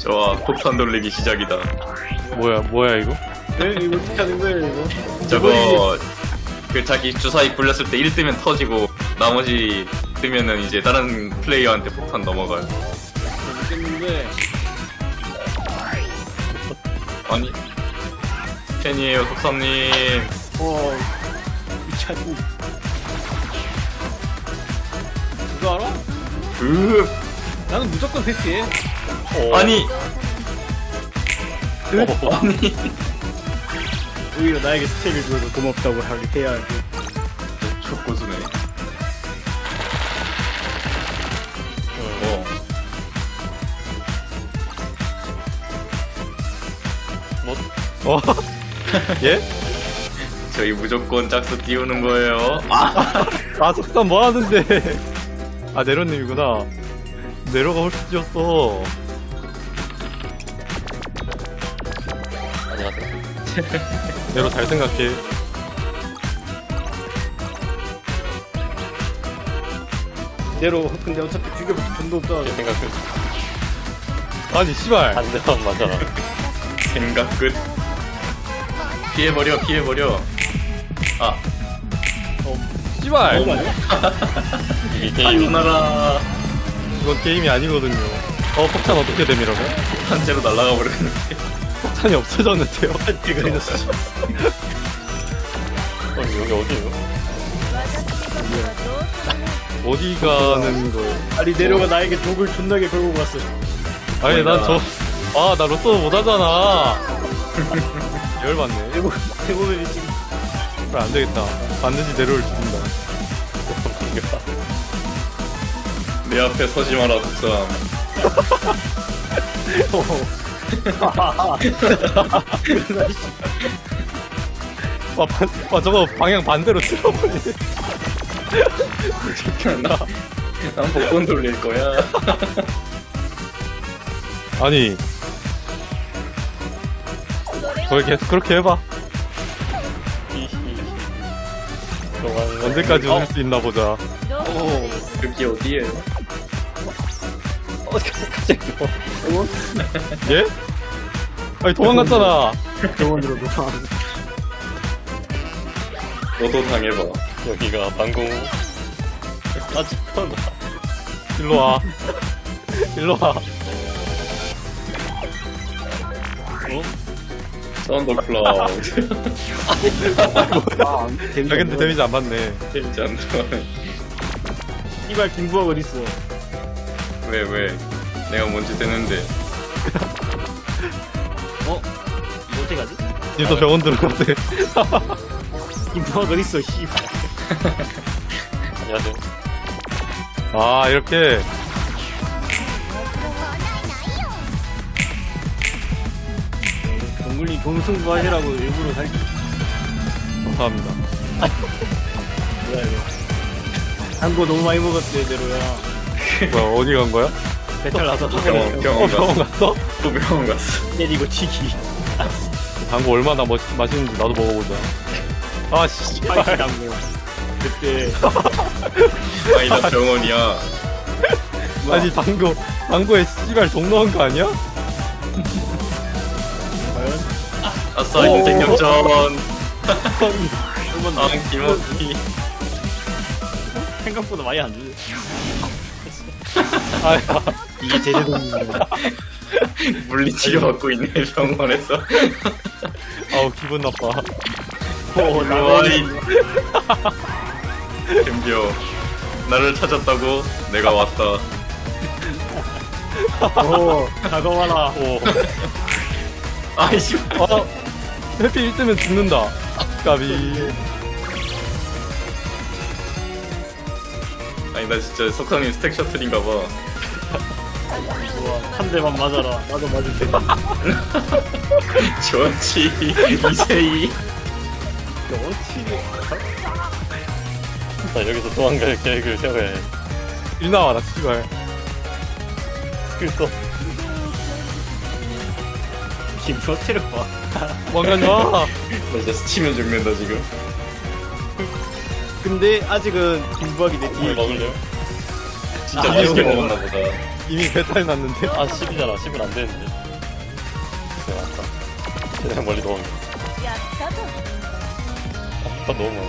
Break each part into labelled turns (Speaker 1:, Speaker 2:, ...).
Speaker 1: 좋아, 폭탄 돌리기 시작이다.
Speaker 2: 뭐야 이거?
Speaker 3: 네? 이거 어떻게 하는 거예요 이거?
Speaker 1: 저거 그 자기 주사위 굴렸을 때 1 뜨면 터지고 나머지 뜨면은 이제 다른 플레이어한테 폭탄 넘어가요.
Speaker 3: 모르겠는데
Speaker 1: 아니 팬이에요 속삼님.
Speaker 3: 미쳤니? 그거 알아? 나는 무조건 패스해.
Speaker 1: 아니 아니
Speaker 3: 오히려 나에게 스택을 줘서 고맙다고 하게 해야지.
Speaker 1: 족고수네.
Speaker 2: 어? 예?
Speaker 1: 저희 무조건 짝수 띄우는 거예요.
Speaker 2: 아 석산 뭐 하는데? 아 네로님이구나. 네로가 훨씬 뛰었어.
Speaker 4: 안녕하세요.
Speaker 2: 네로 잘 생각해.
Speaker 3: 대로 근데 어차피 죽여볼 돈도 없잖아.
Speaker 4: 제 생각 끝.
Speaker 2: 아니 씨발.
Speaker 4: 안 되면 맞아라.
Speaker 1: 생각 끝. 피해버려 피해버려. 아
Speaker 2: 씨발.
Speaker 3: 너무 많아?
Speaker 4: 이게 게임.
Speaker 1: 누나라
Speaker 2: 이건 게임이 아니거든요. 폭탄 어떻게 됨 이러면?
Speaker 1: 한째로 날아가 버렸는데.
Speaker 2: 폭탄이 없어졌는데요.
Speaker 3: 이거 이랬어.
Speaker 4: 여기 어디에요?
Speaker 2: 어디 가는 거?
Speaker 3: 아니 내려가 나에게 독을 존나게 걸고 갔어.
Speaker 2: 아니 나 로또 못 하잖아. 열받네.
Speaker 3: 대부분이 지금
Speaker 2: 그래 안 되겠다. 반드시 네로를 죽인다.
Speaker 1: 내 앞에 서지 마라 속삼.
Speaker 2: 저거 방향 반대로 틀어버리네.
Speaker 1: 난 복권 돌릴 거야.
Speaker 2: 아니 거기 계속 그렇게 해봐. 언제까지 웃을 수 있나 보자.
Speaker 1: 여기 어디에요?
Speaker 4: 갑자기
Speaker 2: 예? 아니 도망갔잖아.
Speaker 3: 병원으로 놓아.
Speaker 1: 너도 당해봐.
Speaker 4: 여기가 방공. 따지구나.
Speaker 2: 일로 와. 일로 와.
Speaker 1: 썬더 클라우드.
Speaker 2: 야 근데 데미지 안 받네.
Speaker 1: 재밌지 않다.
Speaker 3: 이발 김부학 어딨어?
Speaker 1: 왜? 내가 뭔지 되는데.
Speaker 3: 이거 어떻게 가지?
Speaker 2: 님도 병원 들어가세.
Speaker 3: 김부학 어딨어? 씨발.
Speaker 4: 안녕하세요.
Speaker 2: 아 이렇게.
Speaker 3: 동굴님 동승부 하시라고 일부러 살.
Speaker 2: 감사합니다.
Speaker 3: 뭐야 이거? 단거 너무 많이 먹었대 내로야.
Speaker 2: 뭐야 어디 간 거야?
Speaker 3: 배탈 나서
Speaker 1: 병원
Speaker 2: 병원
Speaker 1: 갔어.
Speaker 2: 갔어?
Speaker 1: 또 병원 갔어.
Speaker 3: 때리고 튀기.
Speaker 2: 당구 얼마나 맛있는지 나도 먹어보자. 아 씨발.
Speaker 3: 파이팅 당고. 그때
Speaker 1: 아니 나 병원이야.
Speaker 2: 아니 당구에 씨발 종 넣은 거 아니야?
Speaker 3: 과연?
Speaker 1: 아싸 인생 역전.
Speaker 3: 한번
Speaker 1: 아 김원희.
Speaker 3: 생각보다 많이 안 주지.
Speaker 2: 아야.
Speaker 3: 이게 제대동이네.
Speaker 1: 물리치료 받고 있네 병원에서.
Speaker 2: 아우 기분 나빠.
Speaker 1: 나와이. 덤벼. 나를 찾았다고? 내가 왔다.
Speaker 3: 오 다가와라.
Speaker 2: 오.
Speaker 1: 아이씨.
Speaker 2: 해피 1뜨면 죽는다. 까비.
Speaker 1: 아니 나 진짜 석상님 스택 셔틀인가봐.
Speaker 3: 좋아 한 대만 맞아라. 나도 맞을 테니.
Speaker 1: 좋지. 이세이.
Speaker 4: 자, 여기서 도망갈 계획을 세워야 해.
Speaker 2: 일 나와라 씨발.
Speaker 4: 그래서
Speaker 3: 김부학 체력 봐.
Speaker 2: 왕관이 와.
Speaker 1: 나 진짜 스치면 죽는다 지금.
Speaker 3: 근데 아직은 김부학이 내 뒤에.
Speaker 4: 뭘 먹을래요?
Speaker 1: 진짜
Speaker 2: 아,
Speaker 1: 맛있게
Speaker 2: 이거
Speaker 1: 먹었나 보다.
Speaker 2: 이미 배탈 났는데.
Speaker 4: 아 10이잖아. 10은 안 되는데. 그래 맞다. 그냥 멀리 넣으면. 아 너무 많아.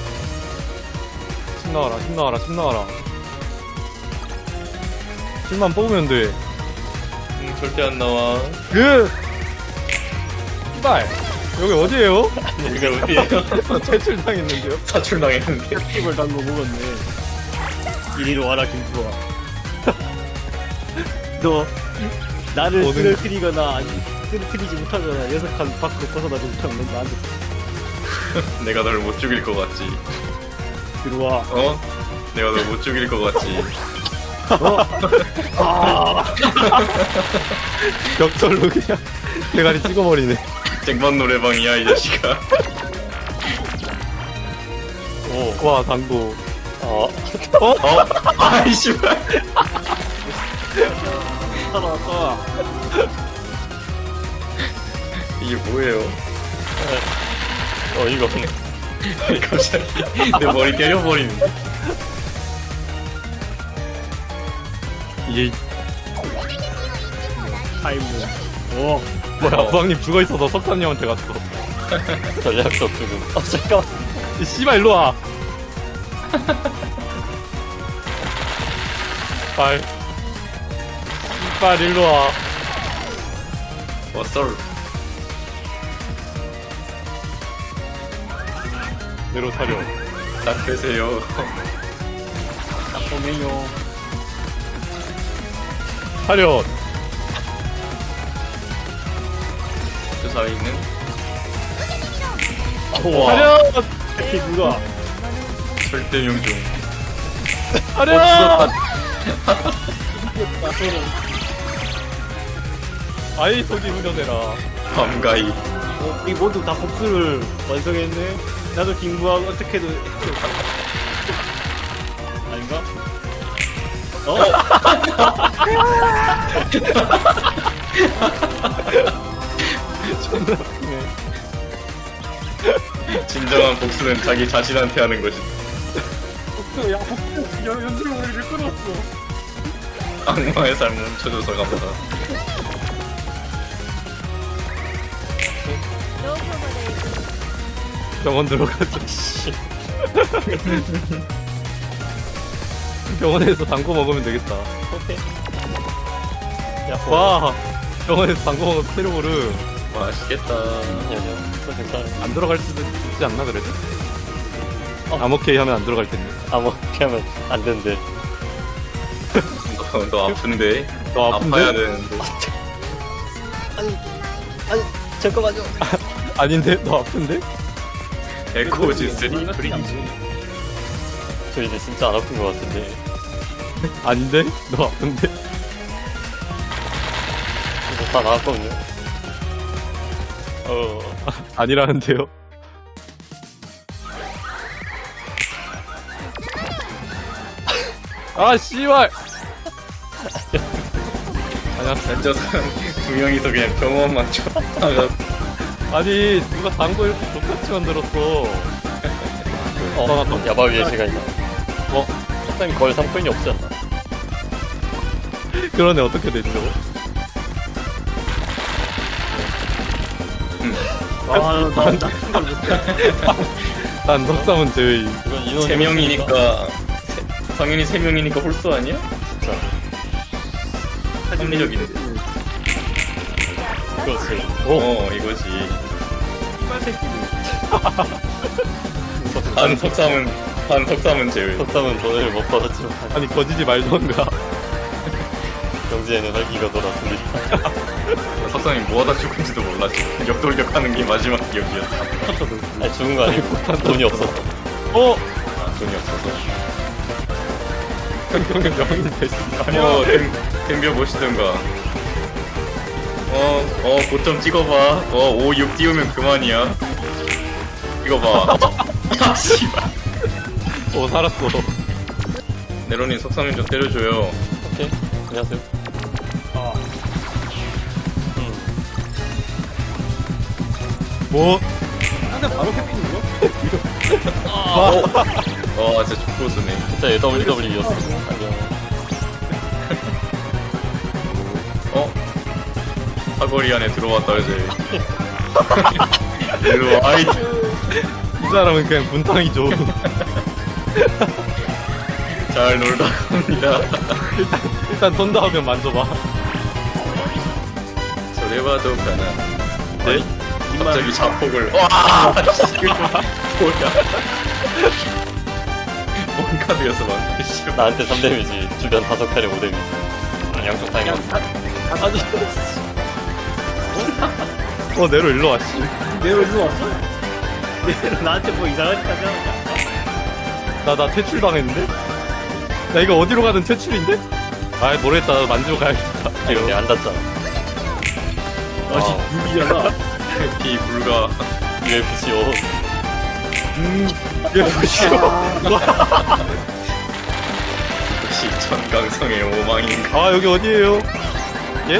Speaker 2: 10 나와라 10 나와라 10 나와라. 10만 뽑으면 돼.
Speaker 1: 절대 안 나와.
Speaker 2: 씨발 여기 어디에요?
Speaker 1: 여기가 어디에요?
Speaker 2: 퇴출당했는데요?
Speaker 1: 사출당했는데.
Speaker 3: 팁을 단거 먹었네. 이리로 와라 김부아. 너 나를
Speaker 2: 오는-
Speaker 3: 쓰러뜨리거나 아니 쓰러뜨리지 못하거나 녀석한 밖으로 벗어나지 못하면 넌 나한테
Speaker 1: 내가 널 못 죽일 것 같지.
Speaker 3: 들어와.
Speaker 1: 어? 내가 널 못 죽일 것 같지.
Speaker 2: 벽돌로 그냥 대가리 찍어버리네.
Speaker 1: 쟁반 노래방이야 이 자식아.
Speaker 4: 오.
Speaker 2: 와 당구.
Speaker 4: 아.
Speaker 1: 아이 씨발.
Speaker 3: 살아왔다.
Speaker 1: 이게 뭐예요?
Speaker 4: 이거 없네.
Speaker 1: 갑자기 내 머리 때려버리는데.
Speaker 2: 이게
Speaker 3: 타임은. 오.
Speaker 2: 뭐야 부왕님 죽어있어서 석사님한테 갔어.
Speaker 4: 전략적 죽음. 아 잠깐만.
Speaker 2: 이 씨발 일로와. 씨발 씨발 일로와.
Speaker 1: 왔어.
Speaker 2: 내로 사려.
Speaker 1: 딱 빼세요.
Speaker 3: 보면요.
Speaker 2: 사려.
Speaker 1: 저 사이에 있는
Speaker 4: 우와.
Speaker 2: 사려.
Speaker 3: 특히 누가
Speaker 1: 절대 명중.
Speaker 2: 사려. 아이 속이 후련해라.
Speaker 1: 밤가이.
Speaker 3: 우리 모두 다 복수를 완성했네. 나도 김부아 어떻게든 아닌가?
Speaker 2: 존나 웃기네.
Speaker 1: 진정한 복수는 자기 자신한테 하는 것이다.
Speaker 3: 복수 야 복수 연습을 우리를 끌었어.
Speaker 1: 악마의 삶을 훔쳐줘서 갑니다.
Speaker 2: 병원 들어가자. 병원에서 당구 먹으면 되겠다.
Speaker 4: 오케이. 야
Speaker 2: 와 병원에서 당구 먹으면 테러보르
Speaker 1: 맛있겠다.
Speaker 4: 아니야. 괜찮아.
Speaker 2: 안 들어갈 수도 있지 않나 그래도? 암호케이 하면 안 들어갈 텐데.
Speaker 4: 아뭐 이렇게 하면 안 된대.
Speaker 1: 너 아픈데?
Speaker 2: 너 아픈데?
Speaker 1: 아파야 되는데.
Speaker 4: 아니 잠깐만요.
Speaker 2: 아닌데? 너 아픈데?
Speaker 1: 에코즈 3 프리즈.
Speaker 4: 저 이제 진짜 안 아픈 것 같은데.
Speaker 2: 아닌데? 너 아픈데?
Speaker 4: 이거 다 나왔거든요.
Speaker 2: 아니라는데요? 아 씨발! 아니야
Speaker 1: 저 사람 두 명이서 그냥 병원만 쫓아가.
Speaker 2: 아니 누가 당구 이렇게 똑같이 만들었어.
Speaker 4: 야바 위에 제가 있나? 석상이 거의 3코인이 없지 않나?
Speaker 2: 그러네 어떻게 됐죠? 난 석삼은 제외.
Speaker 4: 이건 인원
Speaker 1: 3명이니까 당연히 3명이니까 홀수 아니야?
Speaker 4: 진짜.
Speaker 1: 합리적인데.
Speaker 4: 그렇지.
Speaker 1: 이거지. 반 석삼은 제외.
Speaker 4: 석상은 돈을 못 받았지만
Speaker 2: 아니 거지지 말던가.
Speaker 4: 경지에는 활기가 돌았습니다.
Speaker 1: 석삼이 뭐하다 죽은지도 몰라. 지금 역돌격하는 게 마지막 기억이었어.
Speaker 4: 아니 죽은 거 아니고 돈이 없었어.
Speaker 1: 돈이 없어서.
Speaker 2: 형형은 명인 대신.
Speaker 1: 댐벼 보시던가. 고점 찍어봐. 5, 6 띄우면 그만이야. 찍어봐. 아, 씨발.
Speaker 2: 살았어.
Speaker 1: 네로님 석삼인 좀 때려줘요.
Speaker 4: 오케이. 안녕하세요.
Speaker 2: 뭐?
Speaker 3: 근데 바로 캐피는 거?
Speaker 1: 진짜 축구수네.
Speaker 4: 진짜 AWW였어. 안녕.
Speaker 1: 사거리 안에 들어왔다 이제. 일로 와. 아이.
Speaker 2: 이 사람은 그냥 분탕이죠.
Speaker 1: 잘 놀다 갑니다.
Speaker 2: 일단 던다 하면 만져봐.
Speaker 1: 저래 봐도 가나.
Speaker 2: 네?
Speaker 1: 갑자기 자폭을. 와. 이거 뭐야? 뭔 카드였어 방금. 씨발.
Speaker 4: 나한테 3데미지, 주변 5칸에 5데미지. 양쪽 타이밍.
Speaker 3: 아니
Speaker 2: 네로 일로 와, 씨.
Speaker 3: 내가 일로 왔어? 내가 나한테 뭐 이상한 짓 하지 않았냐?
Speaker 2: 나 퇴출당했는데? 나 이거 어디로 가든 퇴출인데? 아, 모르겠다. 만지고 가야겠다.
Speaker 4: 근데 안 닿잖아.
Speaker 3: 아씨 유비잖아.
Speaker 1: 피 불가.
Speaker 4: UFC 5.
Speaker 2: 얘 보시오.
Speaker 1: 역시 천강성의 오망인가.
Speaker 2: 아, 여기 어디에요? 예?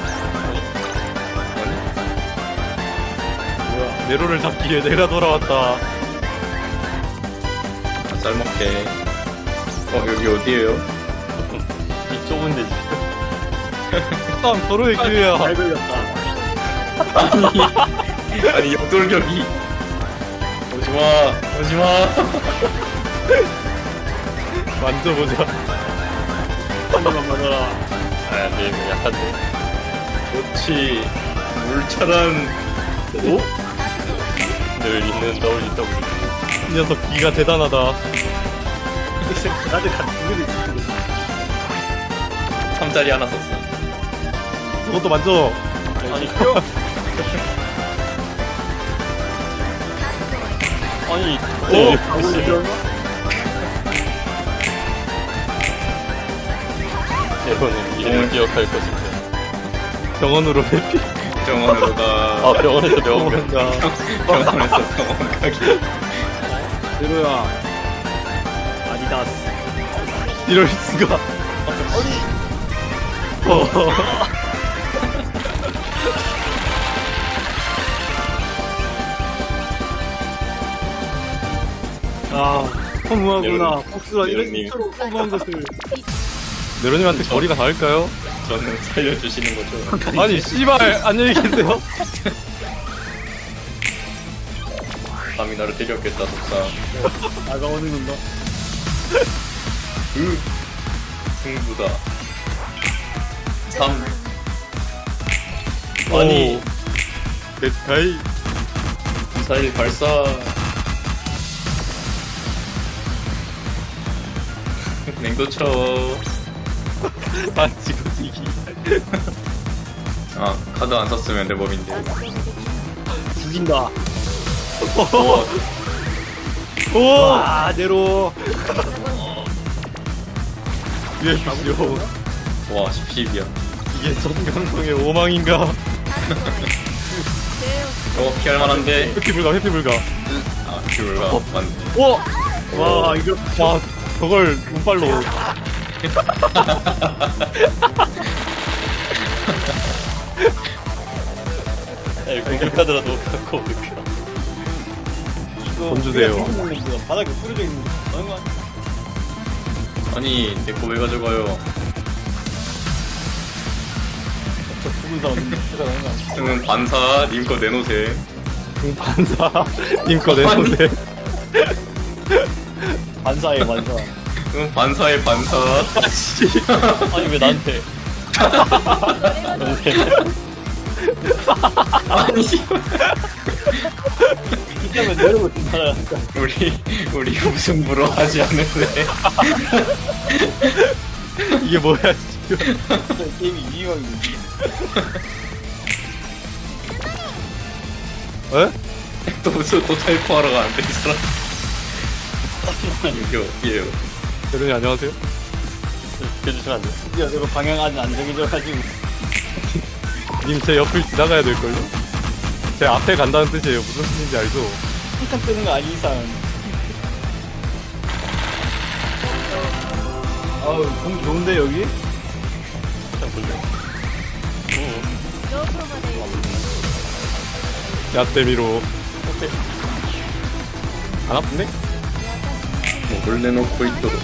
Speaker 3: 뭐야?
Speaker 2: 네로를 잡기 위해 내가 돌아왔다.
Speaker 1: 쌀먹게. 여기 어디에요?
Speaker 4: 이 좁은 데지.
Speaker 2: 다음 도로의 기회야.
Speaker 3: 잘 걸렸다.
Speaker 1: 아니 역돌격이. 오지마 오지마.
Speaker 2: 만져보자.
Speaker 3: 한 입만 맞아라.
Speaker 4: 아, 근데 이거 약한데.
Speaker 1: 그렇지. 물차란. 오?
Speaker 4: 늘 있는 WW.
Speaker 2: 이 녀석 기가 대단하다.
Speaker 3: 나한테 두 개도 있어.
Speaker 1: 3짜리 하나 썼어.
Speaker 2: 그것도 만져.
Speaker 4: 아니, 뼈. 아니,
Speaker 2: 오!
Speaker 4: 이거는 이름을 기억할 것인데.
Speaker 2: 병원으로 회피.
Speaker 1: 병원으로 가.
Speaker 4: 아, 병원에서 병원 가.
Speaker 2: 병원가.
Speaker 1: 병원에서 병원 가기.
Speaker 3: 내로야. 아디다스.
Speaker 2: 이럴 수가.
Speaker 3: 아, 허무하구나. 복수라 이런
Speaker 4: 내로님.
Speaker 3: 식으로 허무한 것을.
Speaker 2: 네로님한테 거리가 닿을까요?
Speaker 1: 저는 살려주시는 거죠.
Speaker 2: 아니, 씨발, 안녕히 계세요.
Speaker 1: 감히 나를 때렸겠다 속상.
Speaker 3: 다가오는 건가?
Speaker 1: 승부다. 3.
Speaker 2: 아니. 데스카이.
Speaker 1: 미사일 발사. 냉도 채워.
Speaker 2: 아, 지금 이기.
Speaker 1: 아 카드 안 썼으면 내 몸인데.
Speaker 3: 죽인다.
Speaker 2: 오!
Speaker 3: 와, 내로.
Speaker 2: 위에 보시오.
Speaker 1: 와 10이야.
Speaker 2: 이게 전강성의 오망인가?
Speaker 1: 피할 만한데.
Speaker 2: 회피 불가, 회피 불가.
Speaker 1: 아 귤가 맞네.
Speaker 2: 오!
Speaker 3: 와, 이거.
Speaker 2: 와, 저걸 운빨로.
Speaker 4: 야, 공격하더라도 갖고 올까.
Speaker 2: 돈 주세요.
Speaker 3: 바닥에 뿌려져 있는 거. 다른 거 아니야?
Speaker 1: 아니 내 거 왜 가져가요?
Speaker 3: 저 죽은 사람 대단한 거 아니야?
Speaker 1: 저는 반사 님 거 내놓으세요.
Speaker 2: 반사. 님거 내놓으세요.
Speaker 3: 반사에 반사.
Speaker 1: 그럼 반사의 반사.
Speaker 4: 아니, 왜 나한테.
Speaker 1: 아니
Speaker 3: 이렇게 하면 내려고 된다.
Speaker 1: 우리 우승부로 하지 않는데.
Speaker 2: 이게 뭐야, 지금.
Speaker 3: 게임이 위험해.
Speaker 2: 에?
Speaker 1: 또 타이포하러 가는데 이 사람. 이게 어디에요?
Speaker 2: 대련이 안녕하세요.
Speaker 4: 해주시면 안 돼.
Speaker 3: 야, 내가 방향 아직 안 정해져가지고.
Speaker 2: 님 제 옆을 지나가야 될걸요? 제 앞에 간다는 뜻이에요. 무슨 뜻인지 알죠?
Speaker 3: 한칸 뜨는 거 아니 이상. 아우, 공 좋은데 여기?
Speaker 4: 참 불려.
Speaker 2: 야떼미로. 안 아픈데?
Speaker 1: 뭘 내놓고 있도록.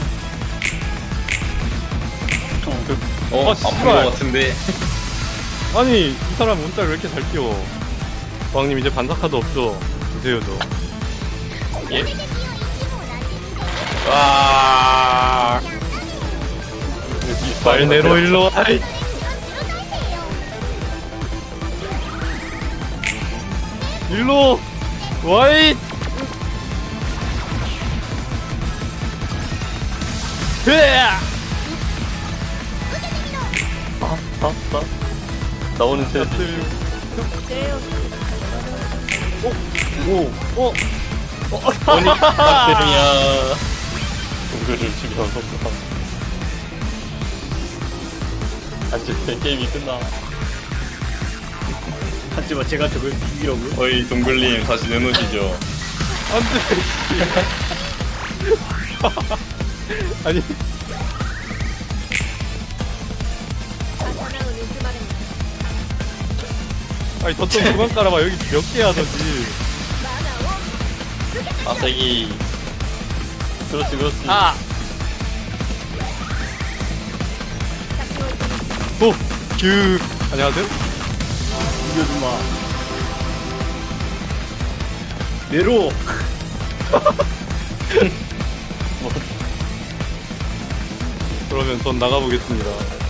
Speaker 1: 아픈
Speaker 2: 씨발.
Speaker 1: 거 같은데.
Speaker 2: 아니 이 사람 문자를 왜 이렇게 잘 띄워? 왕님 이제 반사카드 없죠? 주세요 저.
Speaker 1: 예? 와.
Speaker 2: 말 내로 일로. 아이. 일로 와이. 으아!
Speaker 4: 나오는 새
Speaker 1: 아니 야.
Speaker 4: 동굴을 죽여서 안돼 게임이 끝나.
Speaker 3: 하지만 제가 저걸 비비려고요?
Speaker 1: 어이 동글님 다시 내놓으시죠.
Speaker 2: 안돼. 아니 아니 덧좀 그만 깔아봐. 여기 몇 개야 하던지.
Speaker 4: 아세기. 그렇지 그렇지.
Speaker 2: 아. 오. 규. 안녕하세요.
Speaker 3: 이겨주마. 내로.
Speaker 2: 그러면 전 나가보겠습니다.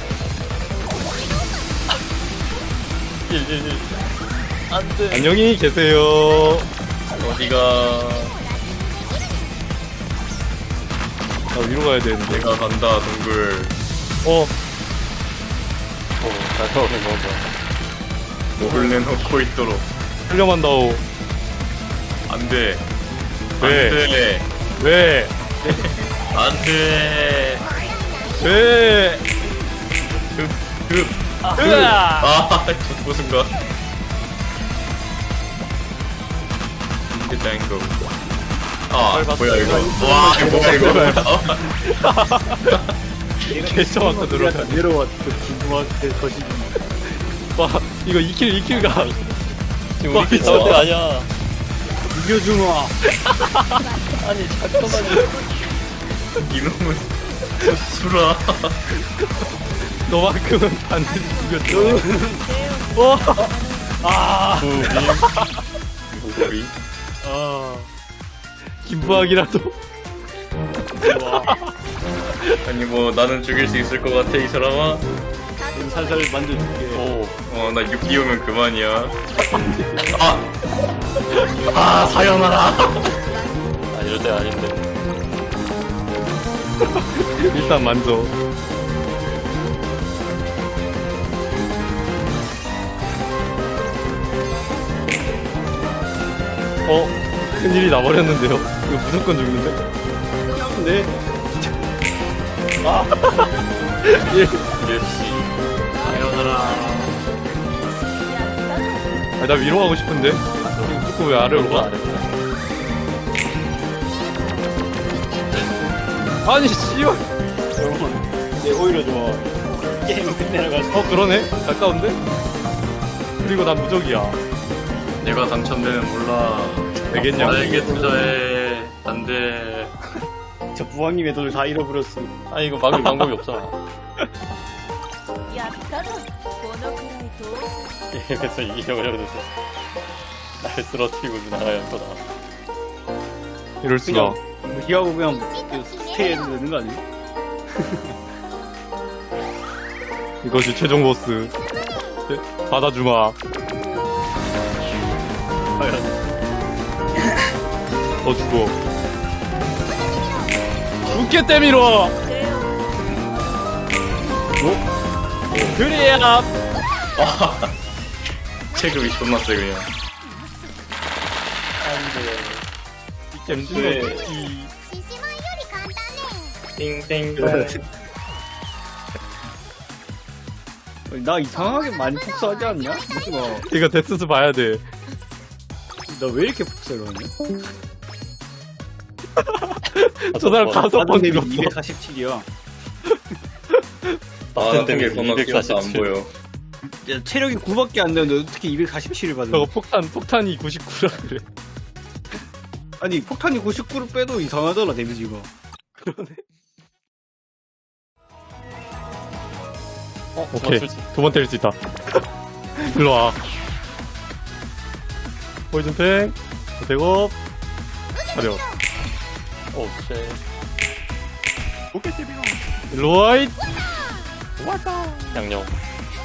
Speaker 4: 111. 안돼.
Speaker 2: 안녕히 계세요.
Speaker 1: 어디가?
Speaker 2: 나 위로 가야 되는데.
Speaker 1: 내가 간다 동글.
Speaker 4: 잘 나오는 건가.
Speaker 1: 목을 내놓고 있도록.
Speaker 2: 훌륭한다오.
Speaker 1: 안돼.
Speaker 2: 왜?
Speaker 1: 안돼.
Speaker 2: 왜?
Speaker 1: 안돼.
Speaker 2: 왜?
Speaker 1: 급.
Speaker 2: 으아!
Speaker 1: 아, 저 무슨 거? 일단 이거. 아, 뭐야 이거? 와, 이거 뭐야 이거?
Speaker 2: 개정확한 들어가.
Speaker 3: 내로 그 김부한테 거시기.
Speaker 2: 와, 이거 2킬 가.
Speaker 4: 지금 우리 킬 싸울 때가 아니야.
Speaker 3: 이겨주마.
Speaker 4: 아니 잠깐만요.
Speaker 1: 이놈은 수라.
Speaker 2: 너만큼은 반드시 죽였죠. 아,
Speaker 1: 우리
Speaker 3: 아.
Speaker 2: 김부학이라도.
Speaker 1: 아니 뭐 나는 죽일 수 있을 것 같아 이 사람아.
Speaker 3: 좀 살살 만져줄게.
Speaker 4: 오.
Speaker 1: 나 6기 오면 그만이야. 아 사연하라.
Speaker 4: 아 이럴 때 아닌데.
Speaker 2: 일단 만져. 큰일이 나버렸는데요. 이거 무조건 죽는데?
Speaker 3: 네.
Speaker 1: 역시 사연하라.
Speaker 2: 아, 나 위로 가고 싶은데? 지금 조금 왜 아래로 가? 아니, 씨발.
Speaker 3: 여러분, 오히려 좋아. 게임 끝내러 가서.
Speaker 2: 그러네? 가까운데? 그리고 난 무적이야.
Speaker 1: 내가 당첨되면 몰라.
Speaker 2: 되겠냐고.
Speaker 1: 나에게 투자해. 안돼.
Speaker 3: 저 부왕님의 돈을 다 잃어버렸어.
Speaker 4: 아 이거 막을 방법이 없잖아.
Speaker 5: やったぞこのくらいと
Speaker 4: 게임에서 이기려고 해도 날 쓰러뜨리고 나가야 거다.
Speaker 2: 이럴 수가.
Speaker 3: 무시하고 그냥 그 스테이 해도 되는 거 아니야?
Speaker 2: 이것이 최종 보스. 받아주마.
Speaker 3: 과연.
Speaker 2: 더 죽어. 죽게 때밀어! 그래야!
Speaker 1: 체급이 존나 세 그냥.
Speaker 2: 잼스의
Speaker 1: 띵띵.
Speaker 3: 나 이상하게 많이 복수하지 않냐? 뭐,
Speaker 2: 이거 데스스 봐야 돼.
Speaker 3: 나 왜 이렇게 복수를 하냐?
Speaker 2: 저 사람 5번 죽었어.
Speaker 3: 247이야.
Speaker 1: 나 게 겁나 뛰어서 안
Speaker 4: 247.
Speaker 1: 보여.
Speaker 3: 야, 체력이 9밖에 안 되는데 어떻게 247을 받아?
Speaker 2: 저거 폭탄이 99라 그래.
Speaker 3: 아니 폭탄이 99를 빼도 이상하더라 데미지가.
Speaker 2: 그러네.
Speaker 4: 어,
Speaker 2: 오케이.
Speaker 4: 맞출지.
Speaker 2: 2번 때릴 수 있다. 일로와. 포이즌팽, 대업, 차려.
Speaker 4: 오, 쎄.
Speaker 2: 일로와, 잇!
Speaker 4: 양념.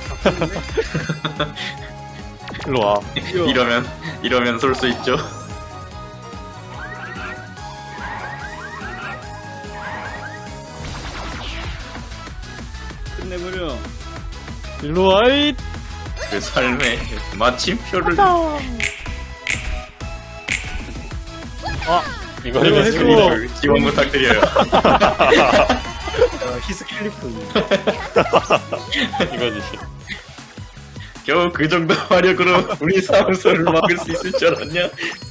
Speaker 2: 일로와.
Speaker 1: 이러면 쏠 수 있죠.
Speaker 3: 끝내버려.
Speaker 2: 일로와, 잇!
Speaker 1: 그 삶의 마침표를
Speaker 4: 이거를
Speaker 2: 이거
Speaker 4: 했어.
Speaker 2: 했어.
Speaker 1: 지원 부탁드려요.
Speaker 3: 히스클리프.
Speaker 4: 이거지.
Speaker 1: 겨우 그 정도 화력으로 우리 사무소를 막을 수 있을 줄 알았냐?